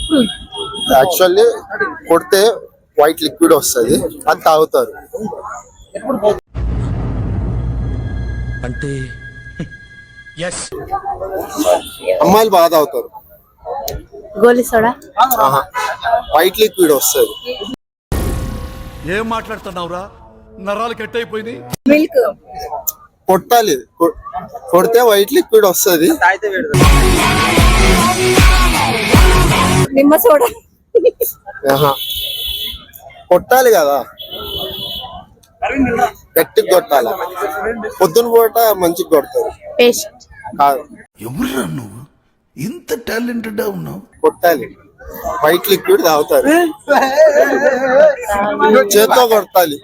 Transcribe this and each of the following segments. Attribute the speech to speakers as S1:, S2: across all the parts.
S1: Actually కొడితే white liquid వస్తుంది, అది తాగుతారు.
S2: అంటే
S1: అమ్మాయిలు బాగా తాగుతారు.
S3: గోలి సోడా.
S1: వైట్ లిక్విడ్ వస్తుంది.
S2: ఏం మాట్లాడుతున్నావురా? నరాలు కట్ అయిపోయింది.
S3: మిల్క్
S1: కొట్టాలి, కొడితే వైట్ లిక్విడ్ వస్తుంది.
S3: నిమ్మ సోడా.
S1: కొట్టాలి కదా, గట్టిగా కొట్టాలి. పొద్దున పూట మంచిగా కొడతారు.
S3: పేస్ట్
S1: కాదు,
S2: ఎవరురా నువ్వు ఇంత టాలెంటెడ్ ఉన్నావు?
S1: కొట్టాలి, వైట్ లిక్విడ్ తాగుతారు. చేత్తో కొట్టాలి.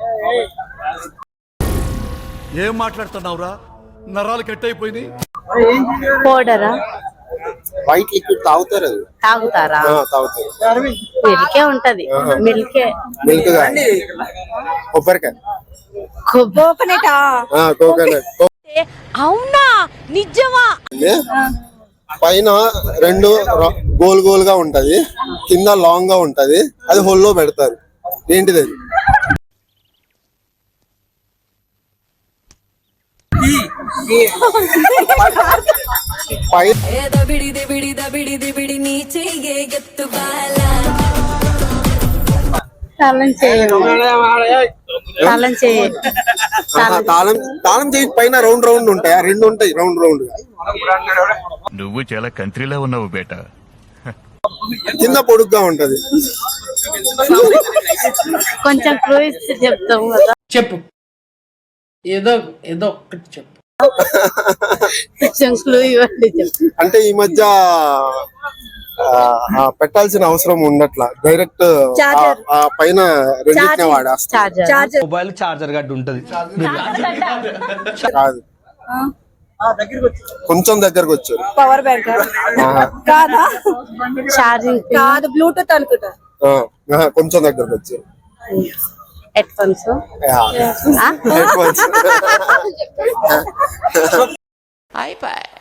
S2: ఏం మాట్లాడుతున్నావురా? నరాలు కట్ అయిపోయింది.
S3: పౌడరా?
S1: వైట్ లిక్విడ్ తాగుతారు. అది
S3: తాగుతారా?
S1: తాగుతారు.
S3: మిల్కే ఉంటది. మిల్కే.
S1: మిల్క్ కాదు, కొబ్బరికాయ.
S3: కోకోనట్.
S1: కోకోనట్.
S3: అవునా? నిజమా?
S1: పైన రెండు గోల్ గోల్ గా ఉంటది, కింద లాంగ్ గా ఉంటది. అది హోల్లో పెడతారు. ఏంటిది అది? తాళం చేయి పైన రౌండ్ రౌండ్ ఉంటాయి. రెండు ఉంటాయి రౌండ్ రౌండ్.
S4: నువ్వు చాలా కంట్రీలో ఉన్నావు బేటా.
S1: కింద పొడుగ్గా ఉంటది.
S3: కొంచెం క్లూ ఇస్తే చెప్తాం కదా.
S5: చెప్పు, ఏదో ఏదో ఒక్కటి చెప్పు.
S3: కొంచెం క్లూ ఇవ్వండి. చెప్పు.
S1: అంటే ఈ మధ్య పెట్టాల్సిన అవసరం ఉండట్లా, డైరెక్ట్ పైన రెండింటినే వాడేస్తా.
S5: మొబైల్ చార్జర్ గడ్డ ఉంటది.
S1: కాదు, కొంచెం దగ్గరకు వచ్చారు.
S3: పవర్ బ్యాంక్ కాదా? ఛార్జింగ్ కాదు, బ్లూటూత్ అనుకుంటా.
S1: కొంచెం దగ్గరకు వచ్చారు.
S3: Headphones.
S1: Headphones.
S3: అయిపోయి